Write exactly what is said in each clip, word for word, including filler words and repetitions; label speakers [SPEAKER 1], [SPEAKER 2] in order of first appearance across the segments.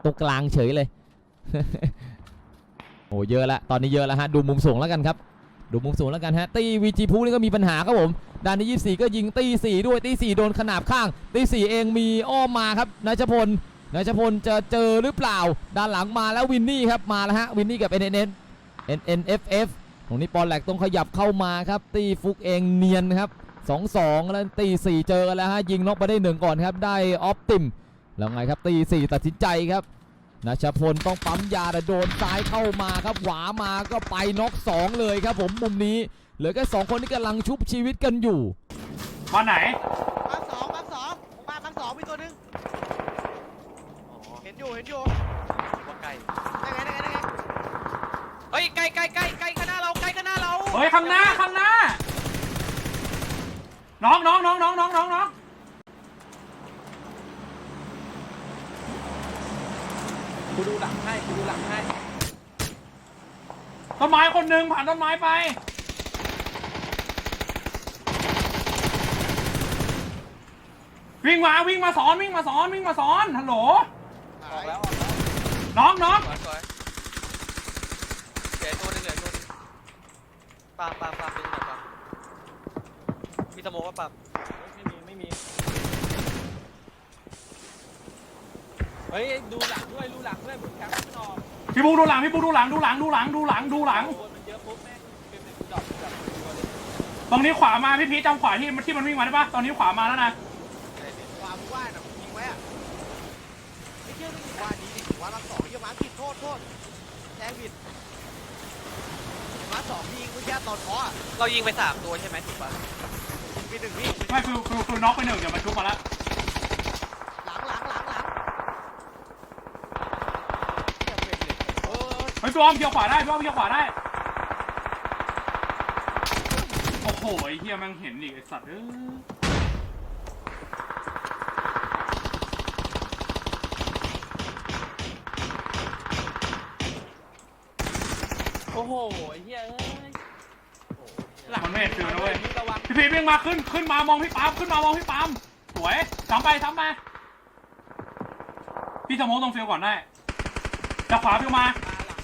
[SPEAKER 1] ตรงกลางเฉยเลย โอ้เยอะแล้วตอนนี้เยอะแล้วฮะดูมุมสูงแล้วกันครับดูมุมสูงแล้วกันฮะตีวีจีพูนี่ก็มีปัญหาครับผมด้านที่ยี่สิบสี่ก็ยิงตีสี่ด้วยตีสี่โดนขนาบข้างตีสี่เองมีอ้อมมาครับนายชพลนายชพลจะเจอหรือเปล่าด้านหลังมาแล้ววินนี่ครับมาแล้วฮะวินนี่กับ เอ็น เอ็น เอ็น เอ็น เอ็น เอฟ เอฟ ตรงนี้ปอนแหลกต้องขยับเข้ามาครับตีฟุกเองเนียนครับสองสองแล้วตีสี่เจอกันแล้วฮะยิงน็อกไปได้หนึ่งก่อนครับได้ออฟติมแล้วไงครับตีสี่ตัดสินใจครับนัชพลต้องปั๊มยาแต่โดนซ้ายเข้ามาครับหวามาก็ไปน็อกสองเลยครับผมมุมนี้เหลือแค่สองคนที่กำลังชุบชีวิตกันอยู่
[SPEAKER 2] มาไหน
[SPEAKER 3] มาสองมาสองมามาสองมีตัวหนึ่งเห็นอยู่เห็นอยู่ว่าไกลได้ไงได้ไงได้ไงเฮ้ยไกลไกลไกลไกลข้างหน้าเราไกลข้างหน้าเรา
[SPEAKER 2] เฮ้ยข้างหน้าข้างหน้าน้องน้องน้องน้องน้องน้องน้อง
[SPEAKER 4] กูดูหลังให้กูดูหลังให้
[SPEAKER 2] ต้นไม้คนหนึ่งผ่านต้นไม้ไปวิ่งมาวิ่งมาสอนวิ่งมาสอนวิ่งมาสอนฮัลโหล
[SPEAKER 4] ออกแล้ว
[SPEAKER 2] น้องน้อง
[SPEAKER 3] สวยเดี๋ยวตัวนึงเหลือตัวนึงปามปามปามดึงหน่อยปามมีสโมกว่าปาม
[SPEAKER 4] ไม่มีไม่มีเฮ้ยดูหลังด้วยดูหลังด้วยบุญแคมป์ไม่ออก
[SPEAKER 2] พี่บูดูหลังพี่บูดูหลังดูหลังดูหลังดูหลังดูหลัง
[SPEAKER 4] มันเยอะปุ๊บแม่งเป็นเป็นดอกดอก
[SPEAKER 2] ตรงนี้ขวามาพี่พีจำขวาที่ที่มันวิ่งมาได้ปะตอนนี้ขวามาแล้วนะ
[SPEAKER 3] ขวามึงว่าน่ะยิงไว้อะไม่เชื่อมึงว่าดีว่ามาสองยิงมาผิดโทษโทษแจ้งผิดมาสองยิงเมื่อกี้ตอนเคาะเรายิงไปสามตัวใช่ไหมถูกปะมีหนึ่งพี่
[SPEAKER 2] ไม่คือคือคือน็อกไปหนึ่งเดี๋ยวมันชุบมาแล้ว
[SPEAKER 3] หลังหลังหลังหลัง
[SPEAKER 2] เฮ้ยพี่อ้อมเกี่ยวขวาได้พี่อ้อมเกี่ยวขวาได้โอ้โหไอ้เหี้ยมันเห็นอีกไอ้สัตว์เอ้ย
[SPEAKER 4] โอ้โหไอ้เหี้ยเอ้ย
[SPEAKER 2] มันไม่เห็นฟิวนะเว้ยพี่พีวิ่งมาขึ้นขึ้นมามองพี่ปามขึ้นมามองพี่ปามสวยซ้ำไปซ้ำมาพี่สโมกตรงฟิวก่อนได้จากขวาฟิวมา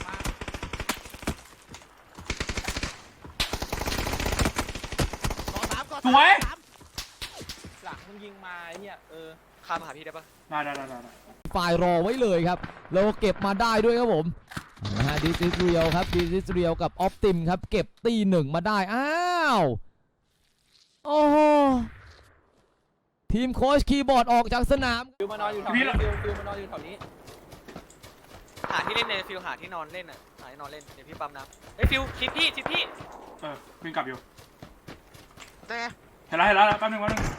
[SPEAKER 2] สวย
[SPEAKER 4] หลังมึงยิงมาไอ้เหี้ยเออ
[SPEAKER 3] ข้ามมาหาพี่ได้ปะ
[SPEAKER 2] ได้ได้ได้ได้
[SPEAKER 1] ฝ่ายรอไว้เลยครับเราเก็บมาได้ด้วยครับผมนะฮะดิสเรียลครับดิสเรียลกับออฟติมครับเก็บตีหนึ่งมาได้อ้าวโอ้โหทีมโค้ชคีย์บอร์ดออกจากสนาม
[SPEAKER 4] ฟิวมานอนอยู่แถวนี้ฟิวฟิวมานอนอยู่แถวนี้
[SPEAKER 3] หาที่เล่นในฟิวหาที่นอนเล่นอ่ะหาที่นอนเล่นเดี๋ยวพี่ปั๊มน้ำเฮ้ยฟิวชิดพี่ชิดพี่
[SPEAKER 2] เออวิ่งกลับอยู่
[SPEAKER 3] ได้ไง
[SPEAKER 2] เห็นแล้วเห็นแล้วแป๊บนึงแป๊บนึง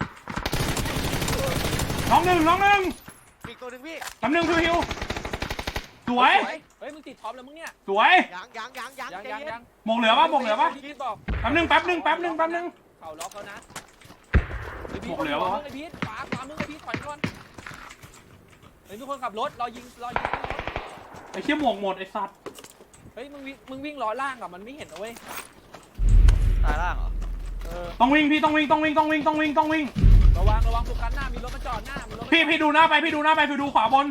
[SPEAKER 2] น้องหนึ่งน้องหนึ่ง
[SPEAKER 3] อีกตัวหนึ่งพี่
[SPEAKER 2] แป๊บนึงฟิวฮิวสวย
[SPEAKER 4] เฮ้ยมึงติดท็อปแล้วมึงเนี่ย
[SPEAKER 2] สวย
[SPEAKER 3] ยังยังยังยัง
[SPEAKER 4] ยังยังยัง
[SPEAKER 2] หมกเหลือปะหมกเหลือปะ
[SPEAKER 4] พี่บอก
[SPEAKER 2] แป๊บนึงแป๊บนึงแป๊บนึงแป๊บนึง
[SPEAKER 4] เข่าล็อกแล้วนะ
[SPEAKER 2] หมกเหลือปะ
[SPEAKER 4] ไอ้พีทขวาขวามึงไอ้พีทถอยก่อนเฮ้ยทุกคนขับรถรอยิงรอยิง
[SPEAKER 2] ไอ้เชี่ยหมกหมดไอ้สัตว์
[SPEAKER 4] เฮ้ยมึงวิ่งมึงวิ่งล้อล่างอ่ะมันไม่เห็นนะเว้ย
[SPEAKER 3] ตายล่างเหรอ
[SPEAKER 4] เออ
[SPEAKER 2] ต้องวิ่งพี่ต้องวิ่งต้องวิ่งต้องวิ่งต้องวิ่งต้องวิ่ง
[SPEAKER 4] ระวังระวังโฟกัสหน้ามีรถมาจอดหน้ามีรถ
[SPEAKER 2] พี่พี่ดูหน้าไปพี่ดูหน้าไปพี่ดูขวาบน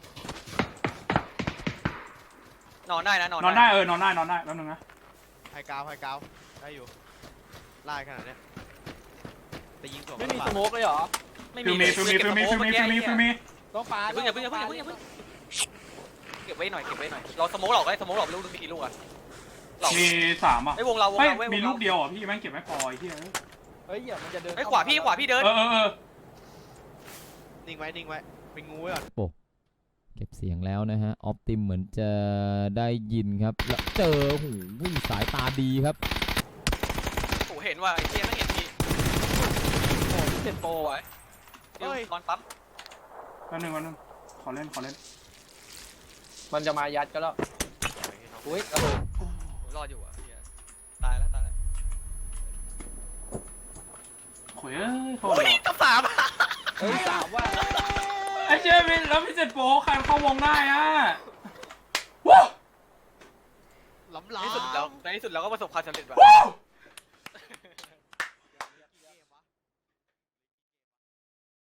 [SPEAKER 3] นอนได้นะนอน
[SPEAKER 2] นอนได้เออนอนได้นอนได้แป๊บนึงนะ
[SPEAKER 3] ไฮกาวไฮกาวได้อยู่ไล่ขนาดนี้แต่ยิงตัว
[SPEAKER 4] ไม่มีสโมกเลยเหรอ
[SPEAKER 2] ไม่มีฟิวมีฟิวมีฟิวมีฟิวมีฟิวมี
[SPEAKER 4] ต้องปา
[SPEAKER 3] อย่าเพิ่งอย่าเพิ่งอย่าเพิ่งอย่าเพิ่งเก็บไว้หน่อยเก็บไว้หน่อยเราสโมกหลอกได้สโมกหลอกลูกมีกี่ลูกอะ
[SPEAKER 2] มีสามอ่ะ
[SPEAKER 3] ไอ้วงเราวงเรา
[SPEAKER 2] มีลูกเดียวอ่ะพี่แม่งเก็บไม่พอไอ้ที่
[SPEAKER 4] เฮ้ยอย่ามันจะเดิน
[SPEAKER 3] ไอ้ขวาพี่ขวาพี่เดิน
[SPEAKER 2] เออเออ
[SPEAKER 3] นิ่งไว้นิ่งไว้เป็นงูไว้ก่อน
[SPEAKER 1] เก็บเสียงแล้วนะฮะออฟติมเหมือนจะได้ยินครับแล้วเจอหูวิ่งสายตาดีครับ
[SPEAKER 3] โหเห็นว่าไอ้เจี๊ยไม่เห็นพี่
[SPEAKER 4] โอ้เจ็ดโปรไว้
[SPEAKER 3] เฮ้ยนอนปั๊ม
[SPEAKER 2] แป๊บนึงแป๊บนึงขอเล่นขอเล่น
[SPEAKER 4] มันจะมายัดก็แล้วอุ้ยกระโดด
[SPEAKER 3] รอดอยู่อ่ะตายแล้วตายแล้ว
[SPEAKER 2] โอ้ยโทษ
[SPEAKER 3] เลยกับสาม
[SPEAKER 4] เฮ้ยสามว่า
[SPEAKER 2] ไอ้เจมินแล้วพี่เจ็ดโป๊ใครเข้าวงได้อ่ะว้าว
[SPEAKER 3] ล้ำล้ำในที่สุดแล้วในที่สุดเราก็ประสบความสำเร็จว่ะ